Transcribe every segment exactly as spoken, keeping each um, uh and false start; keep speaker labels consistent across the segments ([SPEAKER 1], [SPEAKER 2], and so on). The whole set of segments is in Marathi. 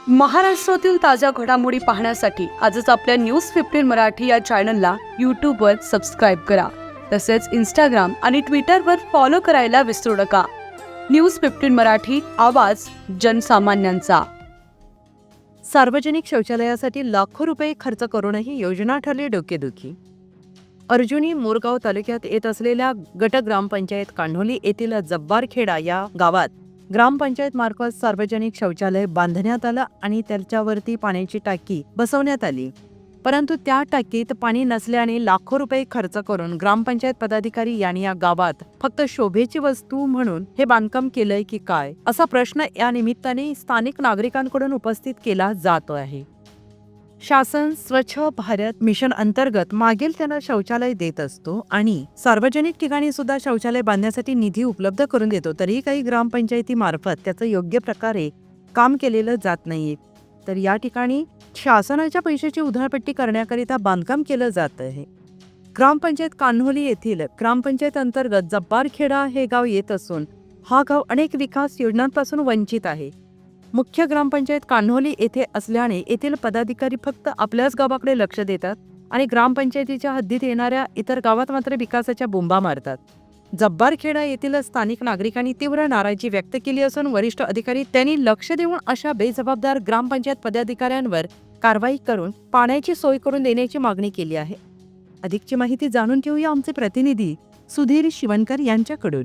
[SPEAKER 1] महाराष्ट्रातील ताज्या घडामोडी पाहण्यासाठी आजच आपल्या न्यूज फिफ्टीन मराठी या चॅनलला यूट्यूबवर सबस्क्राईब करा. तसेच इंस्टाग्राम आणि ट्विटरवर फॉलो करायला विसरू नका. न्यूज फिफ्टीन मराठी, आवाज जनसामान्यांचा.
[SPEAKER 2] सार्वजनिक शौचालयासाठी लाखो रुपये खर्च करूनही योजना ठरली डोकेदुखी. अर्जुनी मोरगाव तालुक्यात येत असलेल्या गट ग्रामपंचायत कान्होली येथील जब्बारखेडा या गावात ग्रामपंचायत मार्फत सार्वजनिक शौचालय बांधण्यात आलं आणि त्याच्यावरती पाण्याची टाकी बसवण्यात आली. परंतु त्या टाकीत पाणी नसल्याने लाखो रुपये खर्च करून ग्रामपंचायत पदाधिकारी यांनी या गावात फक्त शोभेची वस्तू म्हणून हे बांधकाम केलंय की काय, असा प्रश्न या निमित्ताने स्थानिक नागरिकांकडून उपस्थित केला जातो आहे. शासन स्वच्छ भारत मिशन अंतर्गत मागील त्यांना शौचालय देत असतो आणि सार्वजनिक ठिकाणी सुद्धा शौचालय बांधण्यासाठी निधी उपलब्ध करून देतो. तरीही काही ग्रामपंचायतीमार्फत त्याचं योग्य प्रकारे काम केलेलं जात नाहीये. तर या ठिकाणी शासनाच्या पैशाची उधळपट्टी करण्याकरिता बांधकाम केलं जात आहे. ग्रामपंचायत कान्होली येथील ग्रामपंचायत अंतर्गत जब्बारखेडा हे गाव येत असून हा गाव अनेक विकास योजनांपासून वंचित आहे. मुख्य ग्रामपंचायत कान्होली येथे असल्याने येथील पदाधिकारी फक्त आपल्याच गावाकडे लक्ष देतात आणि ग्रामपंचायतीच्या हद्दीत येणाऱ्या इतर गावात मात्र विकासाच्या बोंबा मारतात. जब्बारखेडा येथील स्थानिक नागरिकांनी तीव्र नाराजी व्यक्त केली असून वरिष्ठ अधिकारी त्यांनी लक्ष देऊन अशा बेजबाबदार ग्रामपंचायत पदाधिकाऱ्यांवर कारवाई करून पाण्याची सोय करून देण्याची मागणी केली आहे. अधिकची माहिती जाणून घेऊया आमचे प्रतिनिधी सुधीर शिवणकर यांच्याकडून.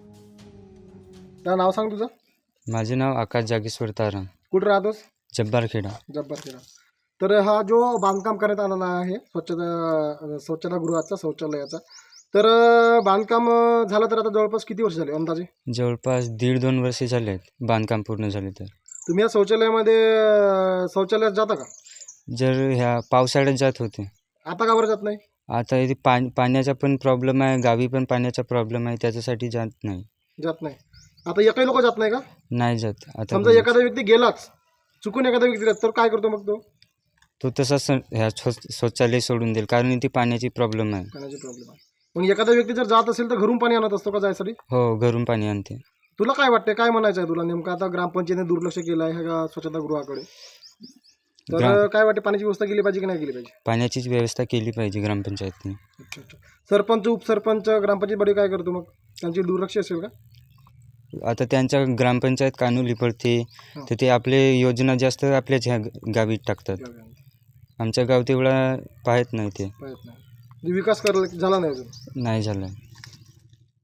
[SPEAKER 3] नाव सांग तुझं.
[SPEAKER 4] माझे नाव आकाश जागेश्वर तारण,
[SPEAKER 3] कुठं राहतोस.
[SPEAKER 4] जब्बारखेडा.
[SPEAKER 3] जब्बारखेडा. तर हा जो बांधकाम करण्यात आलेला आहे स्वच्छता स्वच्छतागृहाचा शौचालयाचा, तर बांधकाम झालं तर आता जवळपास किती वर्ष झाले अंदाजे.
[SPEAKER 4] जवळपास दीड दोन वर्षे झाले आहेत बांधकाम पूर्ण झाले. तर
[SPEAKER 3] तुम्ही या शौचालयामध्ये शौचालयात जाता का.
[SPEAKER 4] जर ह्या पावसाळ्यात जात होते,
[SPEAKER 3] आता का बरं जात नाही.
[SPEAKER 4] आता इथे पा पाण्याचा पण प्रॉब्लेम आहे, गावी पण पाण्याचा प्रॉब्लेम आहे, त्याच्यासाठी जात नाही.
[SPEAKER 3] जात नाही. आता एकही लोक जात नाही का.
[SPEAKER 4] नाही जात. आता
[SPEAKER 3] समजा एखादा व्यक्ती गेलाच, चुकून एखादा व्यक्ती जात तर काय करतो मग तो.
[SPEAKER 4] तो तसाच ह्या शौचालय सोडून देईल, कारण इथे पाण्याची प्रॉब्लेम आहे.
[SPEAKER 3] पाण्याची प्रॉब्लेम आहे. मग एखादा व्यक्ती जर जात असेल तर घरून पाणी आणत असतो का जायसाठी.
[SPEAKER 4] हो, घरून पाणी आणते.
[SPEAKER 3] तुला काय वाटते, काय म्हणायचं आहे तुला नेमकं. आता ग्रामपंचायतीने दुर्लक्ष केलं आहे ह्या स्वच्छतागृहाकडे, तर काय वाटते, पाण्याची व्यवस्था केली पाहिजे की नाही केली पाहिजे.
[SPEAKER 4] पाण्याचीच व्यवस्था केली पाहिजे ग्रामपंचायतने.
[SPEAKER 3] अच्छा अच्छा. सरपंच उपसरपंच ग्रामपंचायत बडी काय करतो मग, त्यांची दुर्लक्ष असेल का.
[SPEAKER 4] आता त्यांच्या ग्रामपंचायत कान्होली पडते, तर ते आपले योजना जास्त आपल्याच ह्या गावी टाकतात. आमच्या गाव तेवढा पाहत नाही. ते
[SPEAKER 3] पाहत नाही. विकास कर झाला नाही अजून.
[SPEAKER 4] नाही झाला.